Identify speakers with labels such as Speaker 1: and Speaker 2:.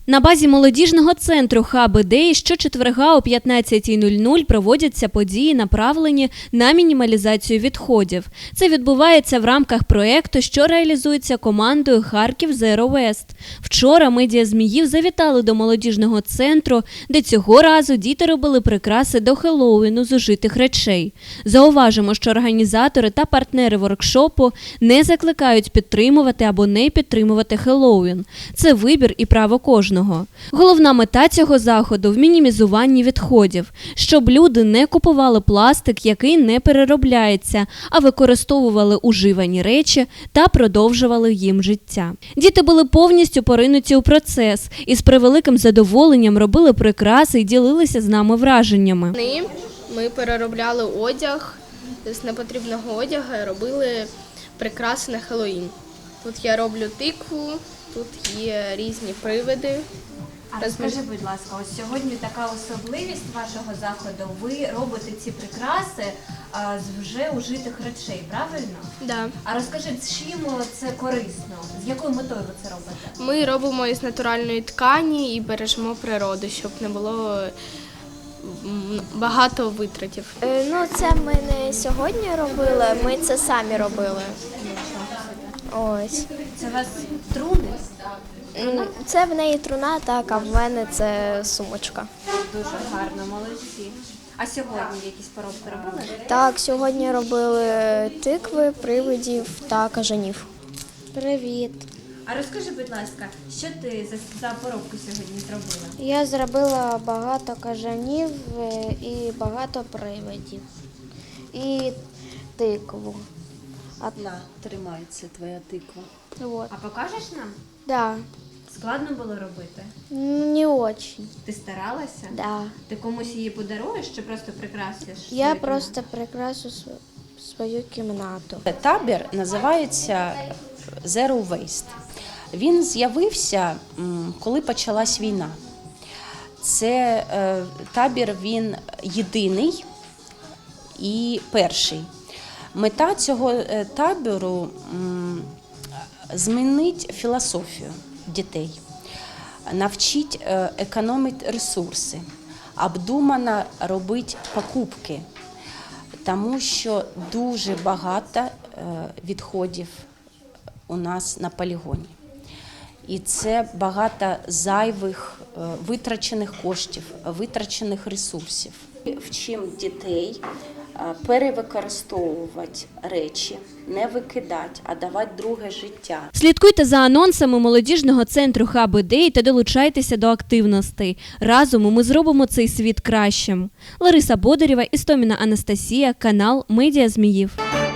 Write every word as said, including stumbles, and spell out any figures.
Speaker 1: На базі молодіжного центру «Хаб ідей» щочетверга о п'ятнадцятій нуль нуль проводяться події, направлені на мінімалізацію відходів. Це відбувається в рамках проєкту, що реалізується командою «Харків Zero Waste». Вчора медіа Зміїв завітали до молодіжного центру, де цього разу діти робили прикраси до Хеллоуіну з ужитих речей. Зауважимо, що організатори та партнери воркшопу не закликають підтримувати або не підтримувати Хеллоуін. Це вибір і право кожного. Головна мета цього заходу – в мінімізуванні відходів, щоб люди не купували пластик, який не переробляється, а використовували уживані речі та продовжували їм життя. Діти були повністю поринуті у процес і з превеликим задоволенням робили прикраси і ділилися з нами враженнями.
Speaker 2: Ми переробляли одяг з непотрібного одягу і робили прикраси на Хеллоуін. Тут я роблю тикву. Тут є різні привиди.
Speaker 3: А розкажи, будь ласка, ось сьогодні така особливість вашого заходу. Ви робите ці прикраси а, з вже ужитих речей, правильно?
Speaker 2: Да.
Speaker 3: А розкажи, чим це корисно? З якою метою ви це робите?
Speaker 2: Ми робимо із натуральної ткані і бережемо природу, щоб не було багато витратів.
Speaker 4: Е, ну, це ми не сьогодні робили, ми це самі робили. Ось.
Speaker 3: Це у вас труни?
Speaker 4: М, Це в неї труна, так, а в мене це сумочка.
Speaker 3: Дуже гарно, молодці. А сьогодні якісь поробки робили?
Speaker 4: Так, сьогодні робили тикви, привидів та кажанів. Привіт.
Speaker 3: А розкажи, будь ласка, що ти за, за поробку сьогодні зробила?
Speaker 4: Я зробила багато кажанів і багато привидів. І тикву.
Speaker 5: А на, тримається твоя тиква.
Speaker 4: Вот.
Speaker 3: А покажеш нам?
Speaker 4: Да.
Speaker 3: Складно було робити?
Speaker 4: Не очень.
Speaker 3: Ти старалася?
Speaker 4: Да.
Speaker 3: Ти комусь її подаруєш чи просто прикрасиш?
Speaker 4: Я
Speaker 3: свою
Speaker 4: просто прикрашу св- свою кімнату.
Speaker 5: Табір називається Zero Waste. Він з'явився, м, коли почалась війна. Це е, табір, він єдиний і перший. Мета цього е, табору м, змінити філософію дітей, навчити е, економити ресурси, обдумано робити покупки, тому що дуже багато е, відходів у нас на полігоні. І це багато зайвих е, витрачених коштів, витрачених ресурсів. Вчимо дітей е, перевикористовувати речі, не викидати, а давати друге життя.
Speaker 1: Слідкуйте за анонсами молодіжного центру «Хаб ідей» та долучайтеся до активностей. Разом ми зробимо цей світ кращим. Лариса Бодарєва, Істоміна Анастасія, канал «Медіа Зміїв».